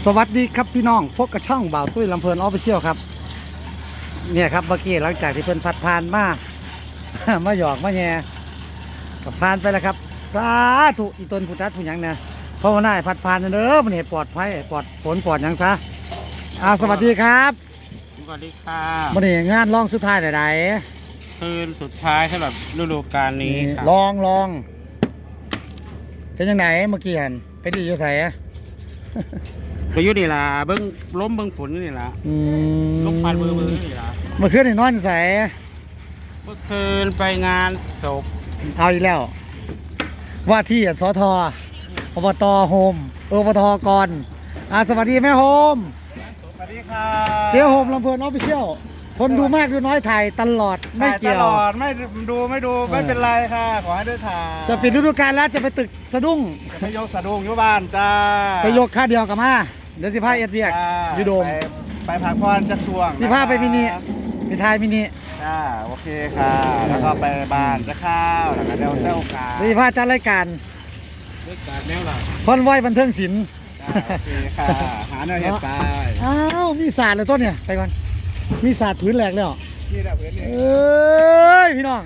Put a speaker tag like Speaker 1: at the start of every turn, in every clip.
Speaker 1: สวัสดีครับพี่น้องพบกับช่องบ่าวตุ้ยลำเพลินออฟฟิเชียลครับเนี่ยครับเมื่อกี้หลังจากที่เพิ่นพัดผ่านมา มาหยอกมาแย่กับผ่านไปแล้วครับสาธุอีตนผู้จัดผู้หยังเนี่ยเพราะว่าน่าพัดผ่านเด้อมันเหตุปลอดภัยปลอดฝนปลอดหยังซะสวัสดีครับ
Speaker 2: สวัสดีค่ะ
Speaker 1: วันนี้งานร้องสุดท้ายใด
Speaker 2: คืนสุดท้ายสำหรับฤดูกาล
Speaker 1: ๆ
Speaker 2: นี้ค่ะ
Speaker 1: ลองเป็นยังไงเมื่อกี้เห็นไปดีอยู่ใส่
Speaker 2: ก็อยู่นี่ล่ะเบิ้งล้มเบิ้งฝนนี่ล่ะลมพัดเบิ้งนี่ล่ะ
Speaker 1: เมื่อคืนนี่นอนใส่
Speaker 2: เมื่อคืนไปงานศพ
Speaker 1: เอาอีกแล้วว่าที่สทอบตโฮมอบตกรสวัสดีแม่โฮม
Speaker 2: สวัสดีค่ะ
Speaker 1: เจ๊โฮมลำเพลินออฟฟิเชียลคนดูมากดูน้อยถ่ายตลอดไม่เกี่ยว
Speaker 3: ตลอดไม่ดูไม่เป็นไรค่ะ ขอให้ได้ถ่าย
Speaker 1: จะปิดฤดูกาลแล้วจะไปตึกสะดุ้ง
Speaker 3: จะไปยกสะดุ้งอยู่บ้านจ้า
Speaker 1: ไปยกค่าเดียวกับมาเดี๋ยวสิพาเอ็ดเวียก
Speaker 3: จ้า
Speaker 1: ยูโดม
Speaker 3: ไปพักผ่อนจะช่วง
Speaker 1: สิพาไปมินิไปทายมินิ
Speaker 3: จ้าโอเคค่ะ แล้วก็ไปบ้านจะข้าวแล้วก็เดี๋ยวเจ้าขา
Speaker 1: เดี๋ยวสิพาจัดรายการ
Speaker 2: เลิกการแนวล่ะ
Speaker 1: คอนไว้บันเทิงศิลป์
Speaker 3: จ้าโอเคค่ะหาแนวเห็ดไป
Speaker 1: อ้าวมีศาสตร์เลยต้นเนี่ยไปก่อนมีศาสตร์พื้นแหลกแล้ว
Speaker 3: นี่แหละเพื่อนนี่
Speaker 1: เอ้ยพี่น้อง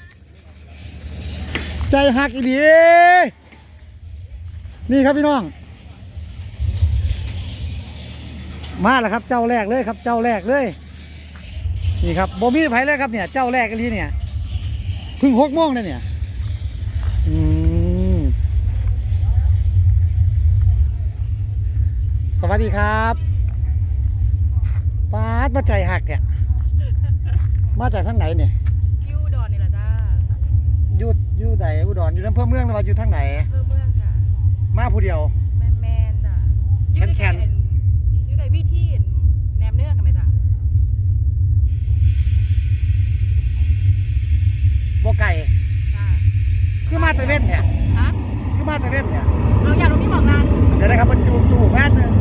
Speaker 1: ใจหักอีดีนี่ครับพี่น้องมาแล้วครับเจ้าแรกเลยครับเจ้าแรกเลยนี่ครับโบมีไผเลยครับเนี่ยเจ้าแรกกันทีเนี่ยเพิ่ง6 โมงเลยเนี่ยสวัสดีครับป้าดมาใจหักเนี่ยมาจากทางไหนเนี่ย
Speaker 4: ยูดอนนี่แหละจ้า
Speaker 1: อยู่ไหนอุดรอยู่อำเภอเมืองหรือว่าอยู่ทางไหน
Speaker 4: เพิ่มเมืองจ้ะ
Speaker 1: มาผู้เดียว
Speaker 4: แมนจ้ะ
Speaker 1: แคนๆ
Speaker 4: ยูไก่วิธีแหนมเนื้อกันไหมจ้ะ
Speaker 1: โบไก่
Speaker 4: จ้า
Speaker 1: คือมาตะเวนเนี่ย
Speaker 4: ฮะ
Speaker 1: คือมาตะเวนเนี่ย
Speaker 4: เราอยากรู้พี่บอกนาง
Speaker 1: เดี๋ยวนะครับมันจูบแพทย์เลย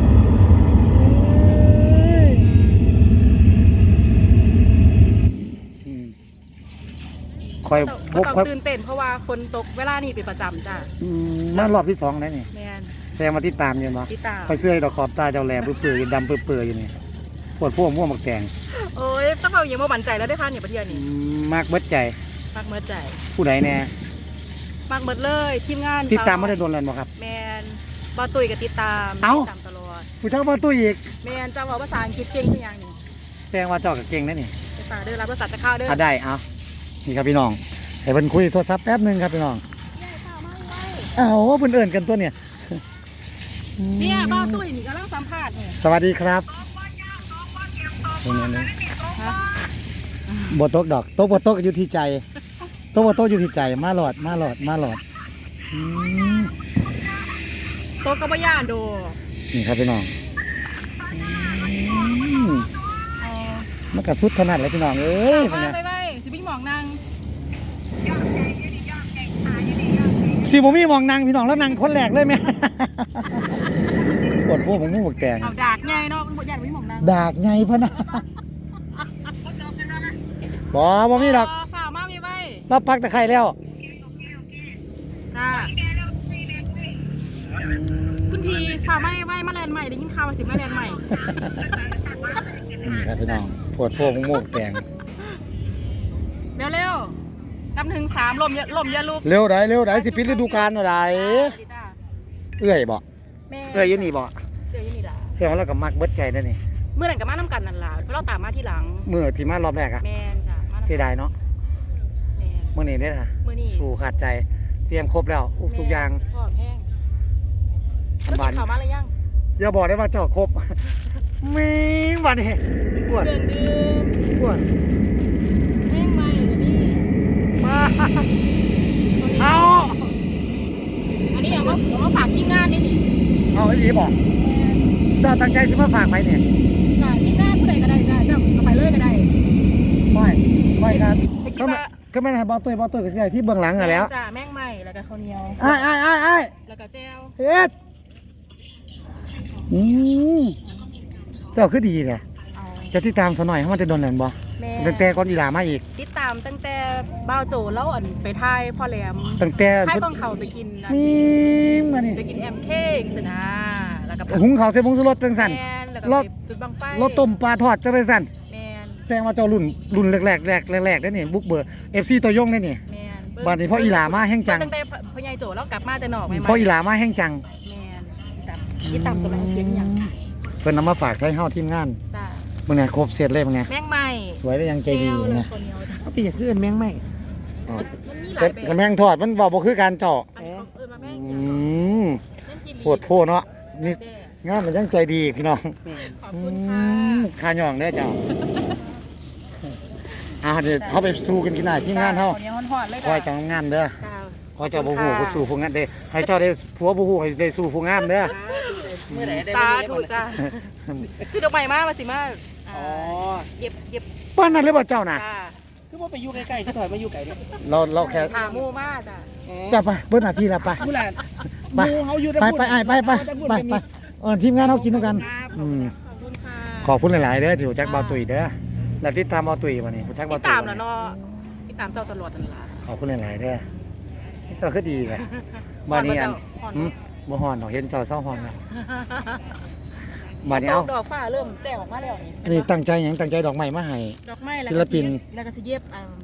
Speaker 1: คอย
Speaker 4: ก็ต้อง
Speaker 1: คอย
Speaker 4: ตื่นเต้นเพราะว่าคนตกเวลานี่เป็นประจำจ้ะ
Speaker 1: มารอบที่2แล้วนี่
Speaker 4: แมน
Speaker 1: แซงมาที่ตามอยู่เนาะ
Speaker 4: พี่ตา
Speaker 1: คอยเสื้อดอกขอบตาเจ้าแหลมเปื่อยๆดำเปื่อยๆอยู่นี่ปวดพวกม่วงหมักแตง
Speaker 4: โอ้ยต้องเอาอย่างมาบันใจแล้วได้ค่ะเนี่ยประเทศนี้
Speaker 1: มากเบิดใจ
Speaker 4: มากเมิดใจ
Speaker 1: ผู้ใดแน่
Speaker 4: มากเมิดเลยทีมงาน
Speaker 1: ติดตามไม่ได้โดนแล้วบ่ครับ
Speaker 4: แมนบอตุยกับติดตาม
Speaker 1: เอ้า
Speaker 4: ติดตามตลอด
Speaker 1: ผู้เจ้ามาตู้อีก
Speaker 4: แมนจะบอกภาษาอังกฤษเก่งทุกอย่างนี่
Speaker 1: แซงว่าเจาะกับเก่งนะนี่
Speaker 4: ภาษาเด้อรับภาษาจะเข้าเด้อ
Speaker 1: ได้เอานี่ครับพี่น้องให้เพิ่นคุยโทรศัพท์แป๊บหนึงครับพี่น้องอ้าวเพิ่นเอิ่นกันตัวเนี่ย
Speaker 4: เนี่ยบ้าตุ้ยนี่ก็เล่าสัมภาษณ์เนี่ย
Speaker 1: สวัสดีครับนี่บตกดอกโต๊ะบตกอยู่ที่ใจโต๊ะบตกอยู่ที่ใจมาหลอดอืม
Speaker 4: โตะก็บ่ย่านโด
Speaker 1: นี่ครับพี่น้องอืม
Speaker 4: เออ
Speaker 1: มันกระสุดขนาดเลยพี่น้องเอ้ยเป็นไง
Speaker 4: ไปสิพี่หมองนาง
Speaker 1: สิบ่มีมองนางพี่น้องแล้วนางคนแรกเลยไหม ปวดพวกผมงูบกแตง
Speaker 4: เอาดากไงเนาะมันบ่ย่านพี่หมองนาง
Speaker 1: ดากไงพะนะบ่มีดอก
Speaker 4: ฝ่าวมากมีไว้
Speaker 1: เราปักตะไคร้แล้ว
Speaker 4: จ้าคุณพี่ฝ่าวไม่ไว้มาแลนด์ใหม่ได้ยินข่าวว่าสิมาแลนด์ใหม่
Speaker 1: นี่ครับพี่น้องปวดพวกผมงูบกแตง
Speaker 4: เร็วๆนำถึง3ลมอย่าลุก
Speaker 1: เร็วได้สิปิดฤดูกาลอะไร
Speaker 4: ดีจ้า
Speaker 1: เอื้อยบ่
Speaker 4: แม่
Speaker 1: เอื้อยอยี่นี่บ่
Speaker 4: เดี๋ยวอยี่นี่ล่ะ
Speaker 1: เสียงเราก็มักเบิดใจนั่นนี่
Speaker 4: เมื่อนั้นก็มาน้ำกันนั่นล่ะเพราะเราตามมาที่หลัง
Speaker 1: มือที่มารอบแรกอะ
Speaker 4: แมนจ้ะมา
Speaker 1: เสียดายเนาะ
Speaker 4: แมน
Speaker 1: มื่อนี้ได้อค่ะ
Speaker 4: มื้อนี้
Speaker 1: สู่ขาดใจเตรียมครบแล้วทุกอย่าง
Speaker 4: พร้อมแห้งแล้วกินข้าวมาหรือยัง
Speaker 1: อย่าบอกได้ว่าเจาะครบ มีวันนี้ปวด
Speaker 4: เครื่องดื่ม
Speaker 1: ปวด
Speaker 4: แห้งไหมเดี๋ยวนี้
Speaker 1: มาเอา
Speaker 4: อันนี้เอามาฝากที่งานนี่นี่
Speaker 1: เอาไอ้หลีบอกเราตั้งใจจะมาฝากไปเนี่ย
Speaker 4: จ้ะที่งานผู้ใดก็ได้จ้ะเจ้าเอาไปเลยก็ได้
Speaker 1: ไม่ครับ
Speaker 4: ไปคิด
Speaker 1: ก็ไม่
Speaker 4: ว่า
Speaker 1: ก็ไม่ได้บอตุ้ยก็ใช่ที่เบื้องหลังอะแล้ว
Speaker 4: จ้ะแม่งใหม่แล้วก็ข้าวเหนียว
Speaker 1: ไอ้
Speaker 4: แล้วก็แจ่ว
Speaker 1: เฮ็ดอืมเจ้าคือดีเนี่ย
Speaker 4: เอา
Speaker 1: จะติดตามซะหน่อยให้มันจะโดนแหลมบ่
Speaker 4: แม่
Speaker 1: ตั้งแต่ก่อนอีหลามาอีก
Speaker 4: ติดตามตั้งแต่บ้าวโจแล้วอันไปทายพ่อแหลม
Speaker 1: ตั้งแต่
Speaker 4: ทายต้องเข้าไปกินนั่น
Speaker 1: มีมานี่
Speaker 4: ไปกินแอมเค้กสินะแล้วกับ
Speaker 1: หุงข้าวใส่ผงชูรสจังซั่น
Speaker 4: แมนแล้วก็
Speaker 1: รส
Speaker 4: ไปจุดบังไฟ
Speaker 1: รสต้มปลาทอดจังได๋ซั่น
Speaker 4: แมน
Speaker 1: แสดงว่าเจ้ารุ่นแรกๆได้นี่บุกเบิก FC ตัวยงได้นี่
Speaker 4: แมน
Speaker 1: บัดนี้พ่ออีหลามาแห่งจัง
Speaker 4: ตั้งแต่พ่อใหญ่โจแล้วกลับมาจะหนอกใหม่ๆ
Speaker 1: พ่ออีหลามาแห่งจัง
Speaker 4: แมนอีตามตัวไหนเสียงอย่าง
Speaker 1: เพิ่นนำมาฝากใช้เฮาทีมงาน
Speaker 4: จ้า
Speaker 1: มื้อนี้ครบเสร็จเลยมื้อนี้
Speaker 4: แมงใหม่
Speaker 1: สวยได้ยังใจดี
Speaker 4: เจลเลย
Speaker 1: นะ
Speaker 4: คนเดียว
Speaker 2: เอาไปอยากเอื้อนแมงไหม
Speaker 1: อ๋อ
Speaker 4: มันมีหลา
Speaker 1: แต่
Speaker 4: ยแบบ
Speaker 1: กระแมงทอดมันเว้าบ่คือการเจาะ
Speaker 4: อันนี้เขาเอิ้นมาแมง
Speaker 1: อืม
Speaker 4: เล่นจีรี
Speaker 1: โพดโพเนาะนี่
Speaker 4: แด่
Speaker 1: งานมันยังใจดีพี่น้อง
Speaker 4: ขอบคุณค่ะ
Speaker 1: ค่าย่องเด้อเจ้าเดี๋ยวเขาไปสู้กันกินได้ที่งานเฮา
Speaker 4: ขอนี้หอนๆเลย
Speaker 1: คอยจังงานเด้อ
Speaker 4: จ้า
Speaker 1: คอยเจ้าบ่ฮู้ผู้สู้ผู้งานเด้ให้เจ้าได้ผัวบ่ฮู้ให้ได้สู้ผู้งามเด้อ
Speaker 2: เมื่อไหร่ได้
Speaker 4: สา
Speaker 2: ไม่
Speaker 4: ธุ
Speaker 2: ได้
Speaker 4: จ้าคือดอกไม้มาสิมา
Speaker 2: อ๋อ
Speaker 4: เย็บ
Speaker 1: ป้านนั้นเลยบ่เจ้าน่ะ
Speaker 4: จ้า
Speaker 2: คือว่าไปอยู่ใกล้ๆคือถอยมาอยู่ไกลเนี่ย
Speaker 1: เราแค่
Speaker 4: ถามูมาจ้า
Speaker 1: จะไปเบิ่นหน้าที่แล้วไป
Speaker 2: ผู้หลาน
Speaker 1: ไป
Speaker 2: หมู่เฮาอยู่แต่
Speaker 1: ไป
Speaker 2: พูด
Speaker 1: ไปไอ้ไปไปไปไปทีมงานเฮากินด้วยกัน
Speaker 4: ครับ
Speaker 1: อืม
Speaker 4: ขอบคุณค่ะ
Speaker 1: ขอบคุณหลายๆเด้อที่รู้จักเบาตุ๋ยเด้อแล้วติดตามเบาตุ๋ยวันนี้รู้จัก
Speaker 4: ติ
Speaker 1: เบา
Speaker 4: ด
Speaker 1: ตุ๋ย
Speaker 4: ตาม
Speaker 1: บ่
Speaker 4: แล้ว
Speaker 1: นี่
Speaker 4: เนาะติดตามเจ้าตลอดนั่นล่ะ
Speaker 1: ขอบคุณหลายๆเด้อเจ้าคือดีแหละบ้านนี้อัน
Speaker 4: ฮ้อน
Speaker 1: หืมบ่ฮ้อนดอกเห็นเจ้าเศร้าฮ้อนแล้วบ้านนี้เอา
Speaker 4: ดอกฟ้าเริ่มแจ่ออกมาแล้วนี่
Speaker 1: อันนี้ตั้งใจหยังตั้งใจดอกไม้มาให้
Speaker 4: ดอกไม้แล้ว
Speaker 1: ศิลปิน
Speaker 4: แล้วก็สิเย็บ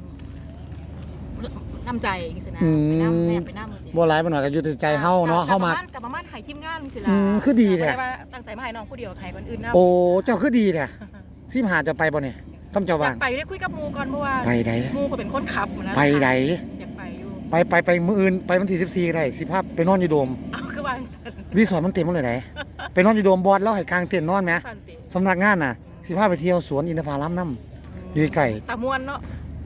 Speaker 4: น้ำใจจังซี่นะ
Speaker 1: อืม
Speaker 4: ไปน้ำแม่ไปน้ำมือสิ
Speaker 1: บ่หลายบ่น้อยก็อยู่ที่ใจเฮาเนาะเฮามา
Speaker 4: กับประมาณถ่ายทีมงานสิ
Speaker 1: อื
Speaker 4: ล่ะ
Speaker 1: มคือดีแท้
Speaker 4: บ่ไว่าตั้งใจมาให้น้องผู้เดียวใครคนอื่นนำ
Speaker 1: โอ้เจ้าคือดีแท้สิมาหาจะไปบ่นี่คำเจ้าว่าง
Speaker 4: ไปได้คุยกับหมูก่อนเพราะว่า
Speaker 1: ไปใด
Speaker 4: หมูเขาเป็นคนขับนะ
Speaker 1: ไปใด
Speaker 4: อยากไปอยู่
Speaker 1: ไปมื้ออื่นไปวันที่14ก็ได้สิพาไปนอนอยู่โดม
Speaker 4: เอาคือวางสัน
Speaker 1: รีสอร์ทมันเต็มหมดเลยไหนไปนอนอยู่โดมบอสแล้วให้กลางเต็นท์นอนไหม
Speaker 4: สันติ
Speaker 1: สำนักงานน่ะสิพาไปเที่ยวสวนอินทผลัมน้ำอยู่ไก่
Speaker 4: ตามวนเนาะ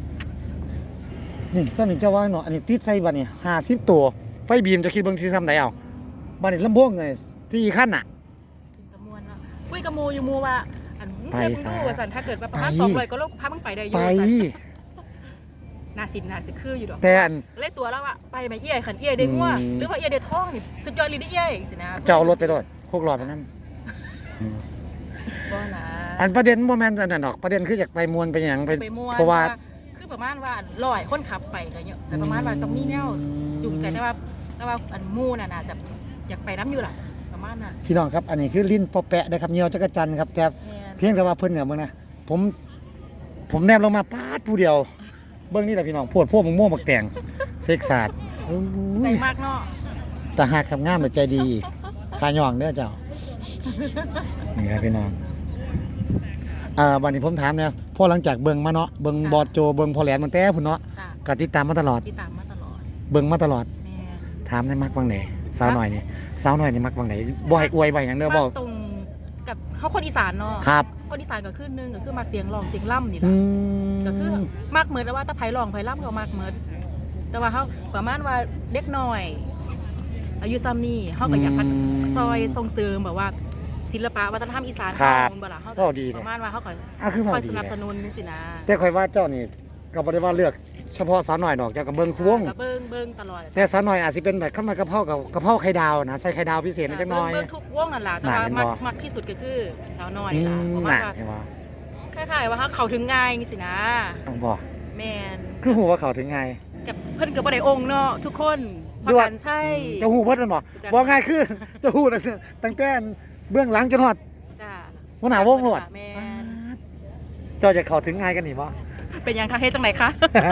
Speaker 1: นี่สนิทเจ้าว่าเนาะอันนี้ติดใส่บัดนี่50ตัวไฟบีมจะคิดเบิ่งสิซ้ำใดเอาบัดนี้ลำโพงเลย4คันน่ะ
Speaker 4: ตามวนเนาะคุยกับหมูอยู่หมูว่าอันมึง
Speaker 1: ไป
Speaker 4: เทียบมึงดูว่าสันถ้าเกิดว่าประมาณ
Speaker 1: ไป
Speaker 4: 200ก็โลกพามึงไปได้อยู่
Speaker 1: ไป
Speaker 4: สันน่าสิคืออยู่ดอก
Speaker 1: แต่อัน
Speaker 4: เล่ตัวแล้วว่าไปไหมเอี้ยขันเอี้ยได้งัว
Speaker 1: อืม
Speaker 4: หรือว่าเอี้ยได้ท้องนี่สุดยอดเลยได้เอี้ยสินะ
Speaker 1: เจ้าเอารถไปโดดโคกหลอดไปนั่น
Speaker 4: บ่นะ
Speaker 1: อันประเด็นบ่แม่นอันนั้นดอกประเด็นคืออยากไปมวนไปหยังไป
Speaker 4: ไปม่วน
Speaker 1: เพราะว่า
Speaker 4: คือประมาณว่าลอยคนขับไปก็เยอะแต่ประมาณว่าต้องมีแนวจูงใจได้ว่าอันหมู่น่ะน่าจะอยากไปน้ำอยู่ล่ะประมาณน่ะ
Speaker 1: พี่น้องครับอันนี้คือลิ้นปอแปะนะครับเหนียวจักรจันทร์ครับแต่
Speaker 4: แม่น
Speaker 1: เพียงแต่ว่าเพิ่นเนี่ยมึงนะผมแนบลงมาปาดผู้เดียวเบิ่งนี่แหละพี่น้องโพดพวกมึงม่วงบักแตงเซ็กซาดโอ้
Speaker 4: ใจ
Speaker 1: ย
Speaker 4: มากเนาะ
Speaker 1: ตาหักกับงามแต่ใจดีขายองเด้อเจ้า นี่ครับพี่น้องวันนี้ผมถามเนี่ยพ่อหลังจากเบิ่งมาเนาะเบิ่งบอดโจเบิ่งพอแหลนมันแต่พุ่นเนาะ
Speaker 4: จ้ะ
Speaker 1: ก็ติดตามมาตลอด
Speaker 4: ติดตามมาตลอด
Speaker 1: เบิ่งมาตลอด
Speaker 4: แม่น
Speaker 1: ถามได้มักวังไหนสาวหน่อยนี่สาวหน่อยนี่มักวังไหนบ่ให้อวยบ่ให้หยังเด้อบ่
Speaker 4: มาตรงกับเขาคนอีสานเนาะ
Speaker 1: ครับ
Speaker 4: คนอีสานก็คือหนึงก็คือมักเสียงร้องเสียงล่ำนี่
Speaker 1: อื
Speaker 4: ล่ะ
Speaker 1: ม
Speaker 4: ก็คือมักเหมือนแล้วว่าถ้าไผร้องไผล่ำก็มักเหมือนแต่ว่าเขาประมาณว่าเด็กน้อย อายุซ้ำนี่เขาก็อยากพัฒซอยส่งเสริมแบบว่า ศิลปะวัฒนธรรมอีสาน
Speaker 1: ครับ
Speaker 4: เฮาบ่ล่ะเขา
Speaker 1: ก็ดี
Speaker 4: ป
Speaker 1: เลย
Speaker 4: ระมาณว่าเขาก็
Speaker 1: คือ
Speaker 4: ค
Speaker 1: บ่
Speaker 4: อย
Speaker 1: ดี
Speaker 4: สนับ
Speaker 1: เล
Speaker 4: ส
Speaker 1: ย
Speaker 4: นุนนี่สินะ
Speaker 1: แต่ข่อยว่าเจ้านี่ก็บ่ได้ว่าเลือกเฉพาะสาวหน่อยดอกเจ้าก็เบิ่งควง
Speaker 4: ก็เบิ่งตลอด
Speaker 1: แต่สาวหน่อยอาจสิเป็นแบบข้าวมันกะเพรากับกะเพราไข่ดาวนะใส่ไข่ดาวพิเศษนิดจักหน่อย
Speaker 4: เบิ่งทุกวงนั่นล่ะแต่ว่า
Speaker 1: น่าเห็นบ่
Speaker 4: มักที่สุดก็คือสาวน้อย
Speaker 1: อื
Speaker 4: นี่ล่ะ
Speaker 1: ม
Speaker 4: เพราะ
Speaker 1: น่ะ
Speaker 4: ว่า
Speaker 1: เห็นบ่
Speaker 4: คล้ายๆว่าเขาเข้าถึงง่ายนี่สินะ
Speaker 1: บ่
Speaker 4: แม่น
Speaker 1: คือฮู้ว่าเขาถึงไง
Speaker 4: กับเพิ่นก็บ่ได้องค์เนาะทุกคนพอ
Speaker 1: ด้วย
Speaker 4: กันใช่
Speaker 1: จะฮู้เบิดมันบ่
Speaker 4: จ้ะ
Speaker 1: บ่ง่ายคือ จะฮู้ตั้งแต่เบื้องหลังจนฮอด
Speaker 4: จ้า
Speaker 1: หัวหน้าวงโลด
Speaker 4: แม่น
Speaker 1: เจ้าจะเข้าถึงง่ายกันนี่บ่
Speaker 4: เป็นยังคะเฮ็ดจังไหนคะ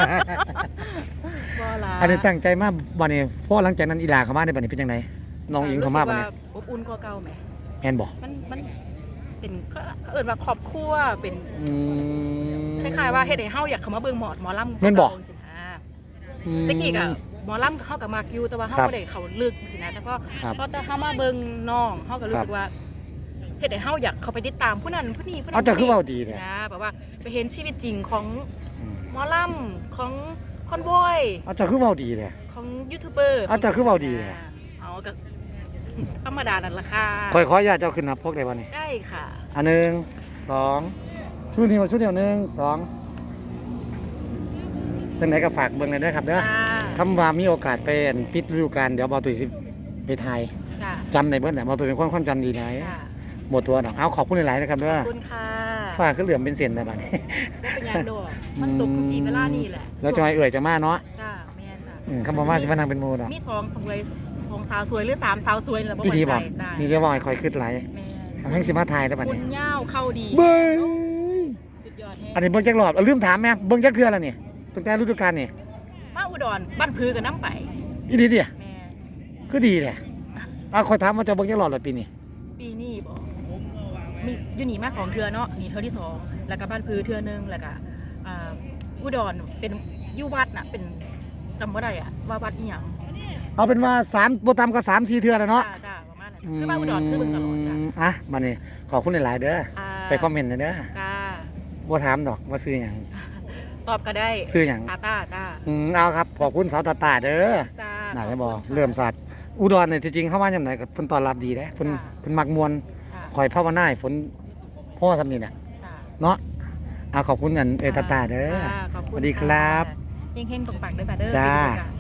Speaker 4: บ่ล่ะ
Speaker 1: อันนี้ตั้งใจมาบัดนี้พอหลังจากนั้นอีหลาเข้ามาในบัดนี้เป็นจังไดน้องอิงเข้ามาบัดนี้
Speaker 4: รู้สึกว่าอบอุ่นกว่าเก่าไหม
Speaker 1: แม่นบ่
Speaker 4: มันเป็นเขาเอิ้นว่าครอบครัวเป็น
Speaker 1: อืม
Speaker 4: คล้ายๆว่าเฮ็ดให้เฮาอยากเข้ามาเบิ่งหมอลำ
Speaker 1: แม่นบ่
Speaker 4: สินะ
Speaker 1: อืม
Speaker 4: ตะกี้ก็หมอลำเฮาก็มักอยู่แต่ว่าเฮา
Speaker 1: ครับ
Speaker 4: บ่ได้เข้าลึกสินะแต่พอ
Speaker 1: ครับ
Speaker 4: พอแต่เฮามาเบิ่งน้องเฮาก็รู้สึกว่าเฮ็ดให้เฮาอยากเข้าไปติดตามผู้นั้นผู้นี้ผู้นั้น
Speaker 1: เอาแต่คือเว้าดี
Speaker 4: สิ
Speaker 1: เนี่ย
Speaker 4: นะแบบว่าไปเห็นชีวิตจริงของ
Speaker 1: อืม
Speaker 4: หมอลำของคอนบอย
Speaker 1: เอาเจ้าคือเว้าดีเลย
Speaker 4: ของยูทูบเบอร์
Speaker 1: เอาแต่คือเว้าดีเลย
Speaker 4: เอาก็ ธรรมดานั่นล่ะค่ะ
Speaker 1: ขออนุญาตเจ้าขึ้นนับพกได้บ่นี่
Speaker 4: ได้ค่ะ
Speaker 1: อันหนึ่งสองชุดนี้มาชุดเดียวหนึ่งสองจังไหนก็ฝากเบิ่งเลยด้วยครับเด้อ
Speaker 4: จ้า
Speaker 1: คำว่ามีโอกาสไปอั่นปิดฤดูกาลเดี๋ยวบอตุยสิไปไทย
Speaker 4: จ้า
Speaker 1: จำในเบิ้ลแหละบอตุยเป็นความจำดีไหน
Speaker 4: จ้า
Speaker 1: หมดตัวดอกเอาขอบคุณหลายๆนะครับเด้อ
Speaker 4: ขอบคุณค่ะ
Speaker 1: ฝากขึ้นเหลือมเป็นเส้นนะบัดนี้
Speaker 4: เป็นยังโดดมันตกคือสีเวลานี่แหละ
Speaker 1: แล้วจะมาเอ่ยจะมาเนาะ
Speaker 4: จ้าแม่นจ้า
Speaker 1: คำว่ามาสิมานั่งเป็นหมูดอก
Speaker 4: มีสองสวยส 2 สาวสวยหรือ3 สาวสวยนี่ล่ะบ่
Speaker 1: พี่
Speaker 4: มั่น
Speaker 1: ดี
Speaker 4: ใจ
Speaker 1: บอก
Speaker 4: จ้า
Speaker 1: นี่จะบอกให้คอยขึ้นไหล
Speaker 4: แม่
Speaker 1: ให้สิมาถ่ายได้บัด
Speaker 4: คุ
Speaker 1: นี้
Speaker 4: ณย่าวเข้าดี
Speaker 1: เบ้ย
Speaker 4: สุดยอดแฮะ
Speaker 1: อันนี้เบิ่งจักรอบเอาลืมถามแม่เบิ่งจักเทื่อแล้วนี่ตั้งแต่ฤดูกาลนี่
Speaker 4: มาอุดรบ้านพือกับน้ำไป
Speaker 1: อีดีดิ
Speaker 4: แม่
Speaker 1: คือดีแหละเอาคอยถามว่าจะเบิ่งจักรอบแล้วปีนี้
Speaker 4: ปีนี้บ่มีอยู่นี่มา2 เทื่อเนาะนี่เทื่อที่ 2 แล้วก็บ้านพือเทื่อนึงแล้วก็อุดรเป็นอยู่วัดน่ะเป็นจำบ่ได้อะว่าวัดอีหยัง
Speaker 1: เอาเป็นว่า3บ่ต่ำก็3-4เทื่อแล้วเนาะ
Speaker 4: จ้าประมาณนั้นคือบ้านอุดรคือเบิ่งตลอดจ้า
Speaker 1: อ่ะบัดนี้ขอบคุณหลายๆเด้อไปคอมเมนต์หน่อยเด้อ
Speaker 4: จ้า
Speaker 1: บ่ถามดอกว่าซื้อหยัง
Speaker 4: ตอบก็ได้
Speaker 1: ซื้อหยัง
Speaker 4: ตาตาจ้า
Speaker 1: เอาครับขอบคุณสาวตาเด้อ
Speaker 4: จ้า
Speaker 1: น่าจะบอกเริ่มสัตว์อุดรเนี่ยจริงๆเข้ามาจำไหนกับเพิ่นต้อนรับดีเด้เพิ่นมักมวน
Speaker 4: จ้า
Speaker 1: คอยภาวนาให้ฝนพ่อทำนี่น่ะ
Speaker 4: จ้า
Speaker 1: เนาะเอาขอบคุณกันตาเด้อ
Speaker 4: จ้าขอบ
Speaker 1: ส
Speaker 4: คุณ
Speaker 1: วัสดีครับ
Speaker 4: เฮงๆปังๆเด้อจ้าเด้อ
Speaker 1: จ้า
Speaker 4: ปีนี้